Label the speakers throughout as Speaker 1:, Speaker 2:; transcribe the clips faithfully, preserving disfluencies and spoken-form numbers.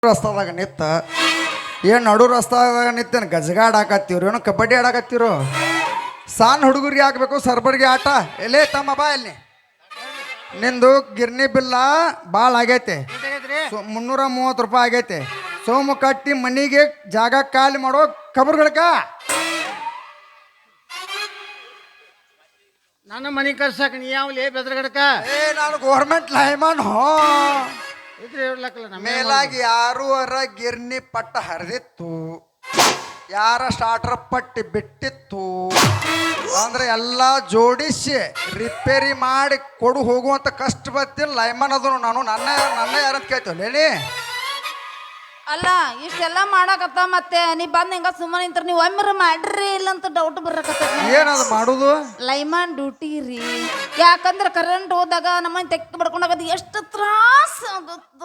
Speaker 1: ರಸ್ತಾದಾಗ ನಿತ್ತ ಏನು ನಡು ರಸ್ತಾದಾಗ ನಿತ್ತೇನು ಗಜಗಾಡ್ ಹಾಕತ್ತೀವ್ರಿ ಏನೋ ಕಬಡ್ಡಿ ಆಡಾಕತ್ತೀರೋ ಸಣ್ಣ ಹುಡುಗರಿಗೆ ಹಾಕ್ಬೇಕು ಸರ್ಬರ್ಗೆ ಆಟ ಎಲ್ಲೇ ತಮ್ಮ ಬಾ ಅಲ್ಲಿ ನಿಂದು ಗಿರ್ನಿ ಬಿಲ್ಲ ಭಾಳ ಆಗೈತೆ ಮುನ್ನೂರ ಮೂವತ್ತು ರೂಪಾಯಿ ಆಗೈತೆ ಸೋಮು ಕಟ್ಟಿ ಮನಿಗೆ ಜಾಗ ಖಾಲಿ ಮಾಡೋ ಕಬರ್ಗಳ್ಕ
Speaker 2: ನನ್ನ ಮನೆ ಕರ್ಸಕ್ ನೀ ಯಾವಲೇ ಬೆದ್ರಗಡಕ
Speaker 1: ಏ ನಾನು ಗೌರ್ಮೆಂಟ್ ಲೈಮನ್ ಹೋ
Speaker 2: ಇದ್ರೆ ಇರ್ಲಕ್ಕಲ್ಲ ನಮ್ಮ
Speaker 1: ಮೇಲಾಗಿ ಯಾರು ಅರ ಗಿರ್ನಿ ಪಟ್ಟ ಹರಿದಿತ್ತು ಯಾರ ಸ್ಟಾರ್ಟರ್ ಪಟ್ಟಿ ಬಿಟ್ಟಿತ್ತು ಅಂದ್ರೆ ಎಲ್ಲ ಜೋಡಿಸಿ ರಿಪೇರಿ ಮಾಡಿ ಕೊಡು ಹೋಗುವಂತ ಕಷ್ಟ ಬರ್ತಿಲ್ಲ ಲೈಮನ್ ಅದನು ನಾನು ನನ್ನ ನನ್ನ ಯಾರಂತ ಕೇಳ್ತೇವೆ
Speaker 3: ಅಲ್ಲ ಇಷ್ಟೆಲ್ಲ ಮಾಡಾಕತ್ತ ಮತ್ತೆ ನೀ ಬಂದ್ ಹಿಂಗ ಸುಮ್ಮನೆ ನಿಂತ್ರ ನೀವು ಒಮ್ಮೆ ಮಾಡ್ರಿ ಇಲ್ಲ ಅಂತ ಡೌಟ್ ಬರಕತ್ತ
Speaker 1: ಏನದು ಮಾಡುದು
Speaker 3: ಲೈಮಾನ್ ಡ್ಯೂಟಿ ರೀ ಯಾಕಂದ್ರೆ ಕರೆಂಟ್ ಹೋದಾಗ ನಮ್ಮನ್ನ ತೆಕ್ಕ ಬಡ್ಕೊಂಡಾಗದು ಎಷ್ಟು ತ್ರಾಸ ಆಗುತ್ತ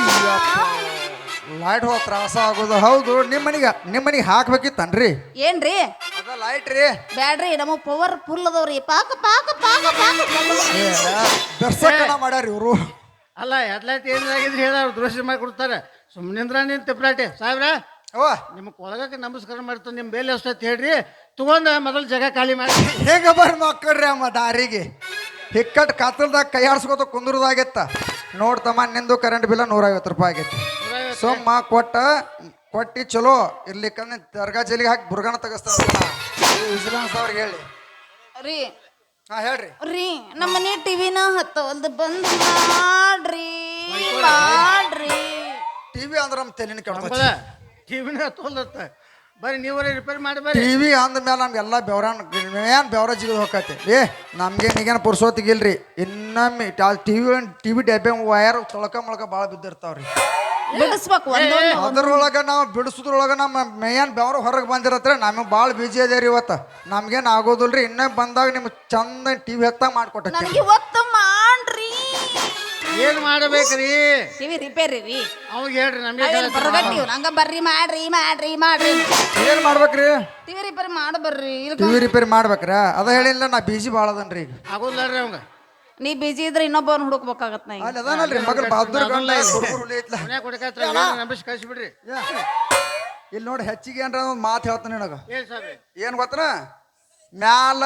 Speaker 1: ಲೈಟ್ ಹೋದ ತ್ರಾಸ ಆಗೋದು ಹೌದು ನಿಮ್ಮ ಮನಿಗೆ ನಿಮ್ಮ ಮನಿಗೆ ಹಾಕ್ಬೇಕಿತ್ತನ್ರಿ
Speaker 3: ಏನ್ರಿ
Speaker 1: ಅದ ಲೈಟ್ ರೀ
Speaker 3: ಬ್ಯಾಡ್ರಿ ನಮ್ಮ ಪವರ್ ಫುಲ್ ಅದಾವ್ರಿ ಪಾಕ ಪಾಕ ಪಾಕ ಪಾಕ
Speaker 1: ದರ್ಶಕನ ಮಾಡ್ಯಾರ ಇವರು
Speaker 2: ಅಲ್ಲ ಹೆಡ್ಲೈಟ್ ಏನಾಗಿದ್ರೆ ಹೇಳ ದೃಶ್ಯ ಮಾಡಿ ಕೊಡ್ತಾರೆ ಸುಮ್ಮನಿಂದ್ರ ನಿನ್ ತಿಪ್ರಾಟೆ ಸಾಹೇಬ್ರ
Speaker 1: ಓ
Speaker 2: ನಿಮ್ಗೆ ಕೊಳಗಕ್ಕೆ ನಮಸ್ಕಾರ ಮಾಡ್ತಾನೆ ನಿಮ್ಮ ಬೇಲೆ ಅಷ್ಟೊತ್ತು ಹೇಳ್ರಿ ತಗೊಂಡ ಮೊದಲು ಜಾಗ ಖಾಲಿ ಮಾಡಿ
Speaker 1: ಹೇಗ ಬರ್ ಮಕ್ಕಳ್ರಿ ಅಮ್ಮ ದಾರಿಗೆ ಹಿಕ್ಕಟ್ ಕಾತಲ್ದಾಗ ಕೈ ಆಡ್ಸ್ಕೊತ ಕುಂದ್ರದಾಗತ್ತ ನೋಡ್ತಮ್ಮ ನಿಂದು ಕರೆಂಟ್ ಬಿಲ್ಲ ನೂರೈವತ್ತು ರೂಪಾಯಿ ಆಗೈತಿ ಸೊಮ್ಮ ಕೊಟ್ಟ ಕೊಟ್ಟಿ ಚಲೋ ಇರ್ಲಿಕ್ಕಂದ್ರೆ ದರ್ಗಾ ಜೈಲಿಗೆ ಹಾಕಿ ಬುರ್ಗಾನ ತೆಗಿಸ್ತಾನ ವಿಜಿಲೆನ್ಸ್ ಅವ್ರಿಗೆ ಹೇಳಿ
Speaker 3: ರೀ
Speaker 1: ಹಾ ಹೇಳ್ರಿ
Speaker 3: ರೀ ನಮ್ಮ ಮನೆ ಟಿವಿನ ಹತ್ತವಲ್ದು ಬಂದ್ ಮಾಡ್ರಿ ಮಾಡ್ರಿ
Speaker 1: ಟಿವಿ ಅಂದ್ರೆ ನಮ್ಮ ತಲೆನ ಕೆಡ್ತ
Speaker 2: ಟಿವಿನ ತೋಲ್ದತ್ತ ಬರ್ರಿ ನೀವರೇ ರಿಪೇರ್ ಮಾಡಿ ಬರ್ರಿ
Speaker 1: ಟಿವಿ ಅಂದ ಮೇಲೆ ನಮ್ಗೆಲ್ಲ ಬೆವ್ರಾನ್ ಏನ್ ಬೆವ್ರ ಜಿಗಿದು ಹೋಗತ್ತೆ ಏ ನಮ್ಗೆ ಈಗೇನು ಪುರ್ಸೋತಿಗಿಲ್ರಿ ಇನ್ನೊಮ್ಮೆ ಟಿವಿ ಟಿವಿ ಡಬ್ಬೆ ವಯರ್ ತೊಳಕ ಮೊಳಕ ಭಾಳ ಬಿದ್ದಿರ್ತಾವ್ರಿ
Speaker 3: ಬಿಡಿಸ್ಬೇಕು ಒಂದೊಂದು
Speaker 1: ಅದ್ರೊಳಗ ನಾವು ಬಿಡಿಸೋದ್ರೊಳಗ ನಮ್ಮ ಮೇಯನ್ ಬೆವ್ರ ಹೊರಗೆ ಬಂದಿರತ್ರೆ ನಮಗೆ ಭಾಳ ಬಿಜಿ ಅದೇರಿ ಇವತ್ತು ನಮ್ಗೇನು ಆಗೋದಿಲ್ರಿ ಇನ್ನೊಮ್ಮೆ ಬಂದಾಗ ನಿಮ್ಗೆ ಚಂದ ಟಿವಿ ಎತ್ತಾಗ ಮಾಡ್ಕೊಟ್ಟೆ
Speaker 3: ನನಗೆ ಇವತ್ತು ಮಾಡ್ರಿ
Speaker 2: ಏನ್ ಮಾಡಬೇಕ್ರಿ
Speaker 3: ಟಿವಿ ರಿಪೇರಿ ರೀ
Speaker 2: ಅವಾಗ ಹೇಳ್ರಿ ನಮಗೆ
Speaker 3: ಬರಗಟ್ಟಿವ್ ನಂಗ ಬರ್ರಿ ಮಾಡ್ರಿ ಮಾಡ್ರಿ ಮಾಡ್ರಿ
Speaker 1: ಏನು ಮಾಡ್ಬೇಕ್ರಿ
Speaker 3: ಟಿವಿ ರಿಪೇರಿ ಮಾಡಿ ಬರ್ರಿ
Speaker 1: ಟಿವಿ ರಿಪೇರಿ ಮಾಡ್ಬೇಕ್ರ ಅದ ಹೇಳಿಲ್ಲ ನಾ ಬಿಜಿ ಭಾಳ ಅದನ್ರಿ ಈಗ
Speaker 2: ಆಗೋದಿಲ್ರಿ ಅವಂಗ
Speaker 3: ನೀ ಬಿಜಿ ಇದ್ರೆ ಇನ್ನೊಬ್ಬನ ಹುಡುಕ್ಬೇಕಾಗತ್ ನಾ ಈಗ
Speaker 1: ಅಲ್ಲಿ ಅದಾನಲ್ರಿ ಮಗಲ್ ಬಹದ್ದೂರ್ ಗಂಡ
Speaker 2: ಮನ್ಯಾಗ ಕೊಡಕತ್ರ ನಂಬಿಸಿ ಕಳಿಸ್ಬಿಡ್ರಿ
Speaker 1: ಇಲ್ಲಿ ನೋಡಿ ಹೆಚ್ಚಿಗೆ ಏನ್ರ ಒಂದು ಮಾತು ಹೇಳ್ತಾನೆ ನಿನಗ
Speaker 2: ಏನ್ ಸಾಬ್ರಿ
Speaker 1: ಏನು ಗೊತ್ತನ ಮ್ಯಾಲ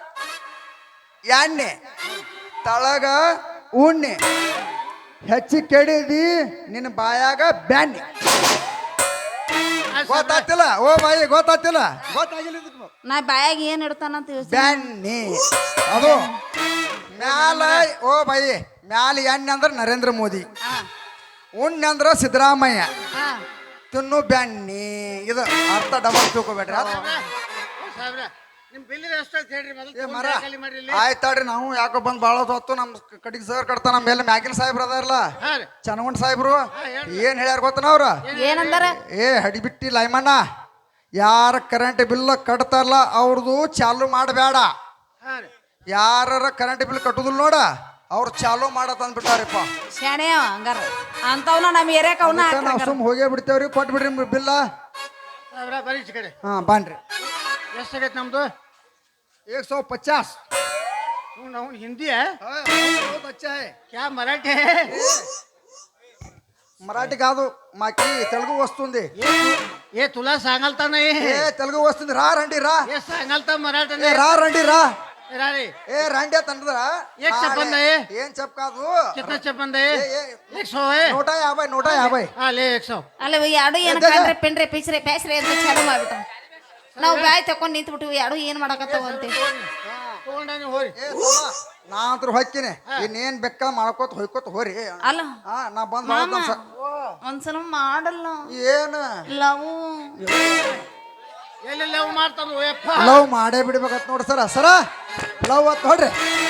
Speaker 1: ಎಣ್ಣೆ ತಳಗ ಉಣ್ಣೆ ಹೆಚ್ಚಿಗೆ ಕೆಡಿದಿ ನಿನ್ನ ಬಾಯಾಗ ಬ್ಯಾಣ್ಣೆ ಗೊತ್ತಾಗ್ತಿಲ್ಲ ಓ ಬಾಯಿ ಗೊತ್ತಾಗ್ತಿಲ್ಲ ಗೊತ್ತಾಗಿಲ್ಲ ಇದಕ್ಕೆ
Speaker 3: ನಾ ಬಾಯಾಗ ಏನ್ ಇಡ್ತಾನಂತ ಯೋಚನೆ
Speaker 1: ಬ್ಯಾಣ್ಣೆ ಅದು ಮ್ಯಾಲ ಓ ಬಾಯಿ ಮ್ಯಾಲ ಎಣ್ಣೆ ಅಂದ್ರೆ ನರೇಂದ್ರ ಮೋದಿ ಉಣ್ಣೆ ಅಂದ್ರೆ ಸಿದ್ದರಾಮಯ್ಯ ತಿನ್ನು ಬ್ಯಾಣ್ಣಿ ಇದು ಅರ್ಥ ಡಬಲ್ ತಿಳ್ಕೊಬೇಡ್ರಿ
Speaker 2: ಸಾಬ್ರ ನಿಮ್ ಬಿಲ್ಲಿನ ಅಷ್ಟೊತ್ತು ಹೇಳ್ರಿ
Speaker 1: ಏ ಮರ
Speaker 2: ಮೊದಲು ಖಾಲಿ ಮಾಡ್ರಿ ಇಲ್ಲಿ.
Speaker 1: ಆಯ್ತಾಡ್ರಿ ನಾವು ಯಾಕೋ ಬಂದ್ ಭಾಳ ಹೊತ್ತು ನಮ್ ಕಡೆಗೆ ಸರ್ ಕಟ್ತಾನ ನಮ್ಮ ಮೇಲೆ ಮ್ಯಾಗಿನ ಸಾಹೇಬ್ರ ಅದಾರಲ್ಲ
Speaker 2: ಹಾ ರೀ
Speaker 1: ಚನ್ನಗೊಂಡ್ ಸಾಹೇಬ್ರು ಏನ್ ಹೇಳ್ಯಾರ ಗೊತ್ತನ ಅವ್ರ
Speaker 3: ಏನಂದಾರ
Speaker 1: ಏ ಹಡಿಬಿಟ್ಟಿ ಲೈಮಣ್ಣ ಯಾರ ಕರೆಂಟ್ ಬಿಲ್ ಕಟ್ತಾರಲ್ಲ ಅವ್ರದ್ದು ಚಾಲು ಮಾಡಬೇಡ
Speaker 2: ಹಾ ರೀ
Speaker 1: ಯಾರ ಕರೆಂಟ್ ಬಿಲ್ ಕಟ್ಟುದಿಲ್ಲ ನೋಡ ಅವ್ರು ಚಾಲು ಮಾಡತ್ ಅಂದ್ಬಿಟ್ಟಾರಪ್ಪ
Speaker 3: ಶಾಣೆ ಅವ ಹಂಗಾರ ಅಂತವ್ನ ನಮ್ಮ ಏರಿಯಾಕ ಅವನ
Speaker 1: ನಾವು ಸುಮ್ ಹೋಗೇ ಬಿಡ್ತೇವ್ರಿ ಕೊಟ್ಟು ಬಿಡ್ರಿ ಬಿಲ್ಲ
Speaker 2: ಸಾಬ್ರ ಬರೀ ಈಚೆ ಕಡೆ
Speaker 1: ಹಾ ಬಾನ್ರಿ
Speaker 2: ಎಷ್ಟಾಗೈತೆ ನಮ್ದು
Speaker 1: ಏಕ್ ಸौ पचास
Speaker 2: ಅವ್ನು ಅವ್ನು ಹಿಂದಿ
Speaker 1: बहुत अच्छा है
Speaker 2: ಕ್ಯಾ ಮರಾಠಿ
Speaker 1: మరాఠీ కాదు మాకి తెలుగు వస్తుంది
Speaker 2: ఏ తులా సాంగల్తాన
Speaker 1: ఏ తెలుగు వస్తుంది రా రండి రా
Speaker 2: ఏ సాంగల్తా మరాఠీ
Speaker 1: ఏ రా రండి రా
Speaker 2: రారి
Speaker 1: ఏ రండి తండ్రా
Speaker 2: ఏం చెప్పండి
Speaker 1: ఏం చెప్ప కాదు
Speaker 2: కిतना చెప్పండి
Speaker 1: ఏ, ఏ,
Speaker 2: एक सौ है
Speaker 1: నూట యాభై నూట యాభై
Speaker 2: हाँ ले एक सौ
Speaker 3: ಅಲ್ಲ ಎರಡು ಏನು ಕಂಡ್ರೆ ಪೆಂಡ್ರೆ ಪಿಚ್ರೆ ಪ್ಯಾಸ್ರೆ ಅಂತ ಚಾಲು ಮಾಡ್ಬಿಟ್ಟ ನಾವು ಬಾಯ್ ತಕೊಂಡ್ ನಿಂತು ಬಿಟ್ಟಿವಿ ಎರಡು ಏನ್ ಮಾಡಕತ್ತಾವ ಅಂತ
Speaker 2: ತಗೊಂಡಾನಿ ಹೋರಿ
Speaker 1: ಏ ತಮ್ಮ, ನಾ ಅಂತೂ ಹೊಕ್ಕಿನಿ ಇನ್ನೇನ್ ಬೆಕ್ಕ ಮಾಡ್ಕೋತ ಹೊಯ್ಕೋತ ಹೋರಿ
Speaker 3: ಅಲ್ಲ
Speaker 1: ಹಾ ನಾ ಬಂದ್
Speaker 3: ಮಾಮ
Speaker 1: ಮಾಡ್ತಾನ ಸ-
Speaker 3: ಒಂದ್ಸಲ ಮಾಡಲ್ಲ
Speaker 1: ಏನ್
Speaker 3: ಲವ್
Speaker 2: ಎಲ್ಲೆಲ್ಲ ಮಾಡ್ತಾನು ಯಪ್ಪ
Speaker 1: ಲವ್ ಮಾಡೇ ಬಿಡ್ಬೇಕತ್ ನೋಡ್ರಿ ಸರ ಸರ ಲವ್ ಅತ್ ನೋಡ್ರಿ